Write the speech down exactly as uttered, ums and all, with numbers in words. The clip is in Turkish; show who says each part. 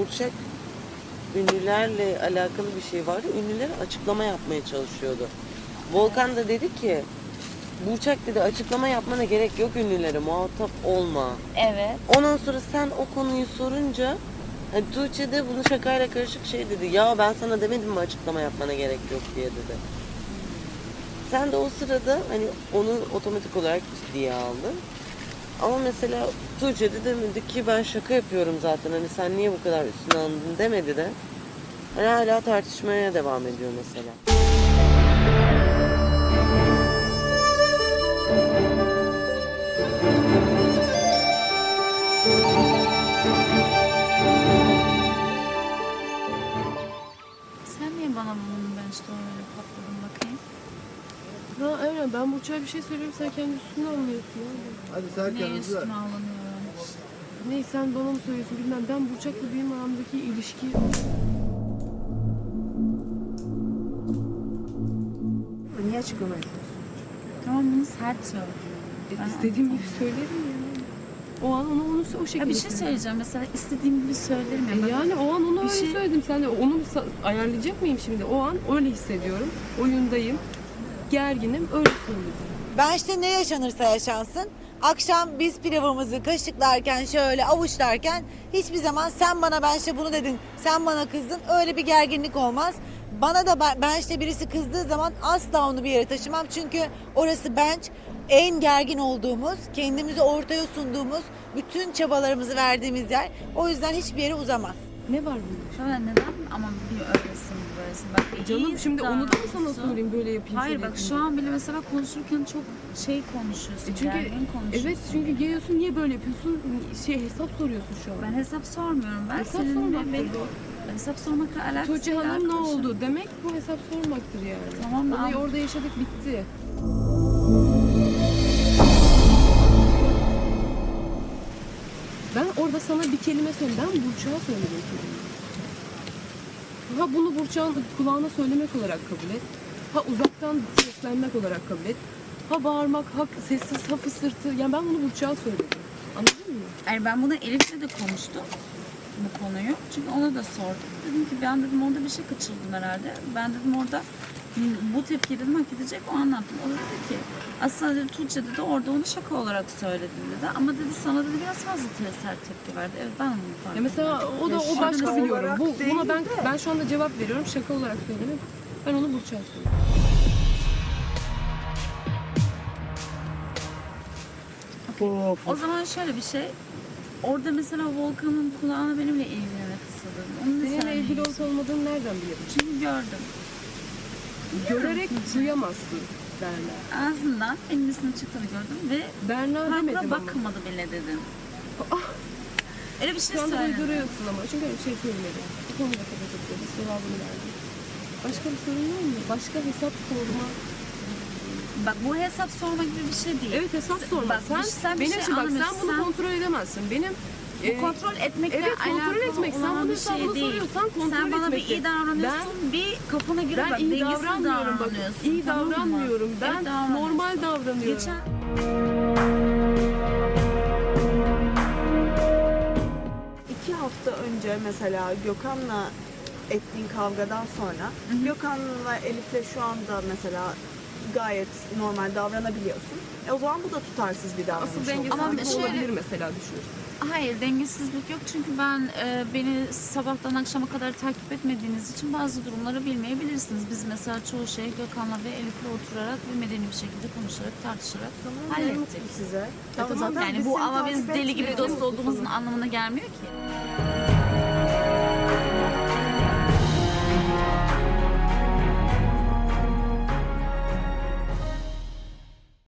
Speaker 1: Burçak ünlülerle alakalı bir şey vardı. Ünlülere açıklama yapmaya çalışıyordu. Volkan da dedi ki Burçak dedi açıklama yapmana gerek yok, ünlülere muhatap olma.
Speaker 2: Evet.
Speaker 1: Ondan sonra sen o konuyu sorunca hani Tuğçe de bunu şakayla karışık şey dedi. Ya ben sana demedim mi açıklama yapmana gerek yok diye dedi. Sen de o sırada hani onu otomatik olarak ciddiye aldın. Ama mesela Tuğçe de demedi ki ben şaka yapıyorum zaten, hani sen niye bu kadar üstüne alındın demedi de. Hani hala tartışmaya devam ediyor mesela.
Speaker 2: Sen niye bana bunu ben işte öyle patladın bakayım?
Speaker 3: Ha aynen, ben Burçak'a bir şey söylüyorum, sen kendi üstüne alıyorsun abi.
Speaker 4: Hadi sen
Speaker 2: Niye
Speaker 4: kendinizi ver.
Speaker 2: üstüne alınıyorum?
Speaker 3: Ne sen bana mı söylüyorsun bilmem, ben Burçak'la benim aramdaki ilişki...
Speaker 5: Niye açıklama yapıyorsun?
Speaker 2: Tamam, bunu sert söyle.
Speaker 3: E,
Speaker 2: Ben
Speaker 3: istediğim gibi söylerim ya. O an onu, onu o şekilde
Speaker 2: Ya bir şey
Speaker 3: söyledim.
Speaker 2: söyleyeceğim, mesela istediğim gibi söylerim ya.
Speaker 3: E
Speaker 2: Ben-
Speaker 3: yani o an onu
Speaker 2: Bir
Speaker 3: öyle
Speaker 2: şey-
Speaker 3: söyledim. Sen de onu sa- ayarlayacak mıyım şimdi? O an öyle hissediyorum. Oyundayım. Gerginim. Öyle söyledim.
Speaker 5: Ben işte ne yaşanırsa yaşansın. Akşam biz pilavımızı kaşıklarken şöyle avuçlarken hiçbir zaman sen bana ben işte bunu dedin, sen bana kızdın, öyle bir gerginlik olmaz. Bana da ben, ben işte birisi kızdığı zaman asla onu bir yere taşımam. Çünkü orası bench, en gergin olduğumuz, kendimizi ortaya sunduğumuz, bütün çabalarımızı verdiğimiz yer. O yüzden hiçbir yere uzamaz.
Speaker 3: Ne var bunda?
Speaker 2: Şöyle neden ama bir öylesin bir böylesin. Bak
Speaker 3: E canım
Speaker 2: iyi
Speaker 3: şimdi onu da mı sana
Speaker 2: davranıyorsun.
Speaker 3: söyleyeyim böyle yapayım?
Speaker 2: Hayır
Speaker 3: şöyle
Speaker 2: bak
Speaker 3: yapayım
Speaker 2: şu
Speaker 3: diye?
Speaker 2: an bile mesela konuşurken çok şey konuşuyorsun.
Speaker 3: E çünkü
Speaker 2: gergin konuşuyorsun.
Speaker 3: evet, çünkü geliyorsun niye böyle yapıyorsun? Şey hesap soruyorsun şu an.
Speaker 2: Ben hesap sormuyorum. Ben
Speaker 3: Hesap
Speaker 2: senin
Speaker 3: sormaktır
Speaker 2: ve benim
Speaker 3: bu.
Speaker 2: hesap sormakla alakası
Speaker 3: Tuğçe
Speaker 2: yok
Speaker 3: Hanım ne
Speaker 2: arkadaşım.
Speaker 3: oldu demek, bu hesap sormaktır yani.
Speaker 2: Tamam,
Speaker 3: Olayı
Speaker 2: al.
Speaker 3: orada yaşadık, bitti. Ben orada sana bir kelime söyledim. Ben Burçak'a söyledim kelimeyi. Ha bunu Burçak'ın kulağına söylemek olarak kabul et. Ha uzaktan seslenmek olarak kabul et. Ha bağırmak, ha sessiz, ha fısırtı. Yani ben bunu Burçak'a söyledim. Anladın mı?
Speaker 2: Yani ben bunu Elif'le de konuştum bu konuyu. Çünkü ona da sordum. Dedim ki ben dedim orada bir şey kaçırdım herhalde. Ben dedim orada bu tepkiyi dedim hak edecek, o anlattım. O da dedi ki aslında dedi Tuğçe dedi orada onu şaka olarak söyledi dedi. Ama dedi sana dedi biraz fazla sert tepki verdi. Evet ben onu fark
Speaker 3: Ya mesela o da o
Speaker 5: şaka
Speaker 3: başka biliyorum.
Speaker 5: olarak
Speaker 3: Bu
Speaker 5: değil
Speaker 3: buna ben
Speaker 5: de.
Speaker 3: ben şu anda cevap veriyorum. Şaka olarak söyledim. Ben onu Burçak'a söyledim.
Speaker 4: Of.
Speaker 2: O zaman şöyle bir şey. Orada mesela Volkan'ın kulağına benimle ilgilene fısıldadın. Onu da
Speaker 3: Seninle
Speaker 2: sen
Speaker 3: ilgili
Speaker 2: biliyorsun.
Speaker 3: olup olmadığını nereden biliyorum?
Speaker 2: Çünkü gördüm.
Speaker 3: Görerek duyamazsın Berna.
Speaker 2: Ağzından benim ismin çıktığını gördüm ve
Speaker 3: Berna demedim
Speaker 2: farkına
Speaker 3: ama.
Speaker 2: bakmadı bile dedin.
Speaker 3: Ah!
Speaker 2: Öyle bir şey
Speaker 3: Şu anda
Speaker 2: söyledin.
Speaker 3: uyduruyorsun ama. Çünkü öyle bir şey söylemedim. Bu konuda kapatabiliriz. Cevabını verdim. Başka bir sorun var mı? Başka hesap sorma.
Speaker 2: Bak bu hesap sorma gibi bir şey değil.
Speaker 3: Evet, hesap
Speaker 2: Sen-
Speaker 3: sorma.
Speaker 2: Bak,
Speaker 3: sen,
Speaker 2: sen bir
Speaker 3: benim
Speaker 2: şey
Speaker 3: için bak sen
Speaker 2: anlamıyorsun.
Speaker 3: bunu
Speaker 2: Sen-
Speaker 3: kontrol edemezsin. Benim
Speaker 2: Bu
Speaker 3: e,
Speaker 2: kontrol etmekle
Speaker 3: evet, kontrol
Speaker 2: alakalı
Speaker 3: etmek. Sen
Speaker 2: olan
Speaker 3: bunu
Speaker 2: bir şey
Speaker 3: hesabını
Speaker 2: değil.
Speaker 3: soruyorsan kontrol
Speaker 2: Sen bana bir
Speaker 3: etmektir.
Speaker 2: iyi davranıyorsun, bir kafana göre
Speaker 3: ben
Speaker 2: bak
Speaker 3: iyi
Speaker 2: dengesiz
Speaker 3: davranmıyorum bak.
Speaker 2: davranıyorsun.
Speaker 3: İyi
Speaker 2: tamam mı?
Speaker 3: davranmıyorum. Ben
Speaker 2: Evet, davranıyorsun.
Speaker 3: normal davranıyorum.
Speaker 2: Geçen
Speaker 6: İki hafta önce mesela Gökhan'la ettiğin kavgadan sonra Gökhan'la Elif'le şu anda mesela gayet normal davranabiliyorsun. E o zaman bu da tutarsız bir davranış
Speaker 3: Asıl
Speaker 6: oldu.
Speaker 3: dengesizlik
Speaker 2: Ama bir şöyle-
Speaker 3: olabilir mesela düşünürsün.
Speaker 2: Hayır, dengesizlik yok çünkü ben e, beni sabahtan akşama kadar takip etmediğiniz için bazı durumları bilmeyebilirsiniz. Biz mesela çoğu şeyi Gökhan'la ve Elif'le oturarak ve medeni bir şekilde konuşarak, tartışarak
Speaker 6: Ne
Speaker 2: hallettik.
Speaker 6: mutlu size.
Speaker 2: Tamam,
Speaker 6: Zaten
Speaker 2: yani bu
Speaker 6: seni
Speaker 2: ama
Speaker 6: takip
Speaker 2: biz deli gibi
Speaker 6: etmiyoruz.
Speaker 2: dost olduğumuzun anlamına gelmiyor ki.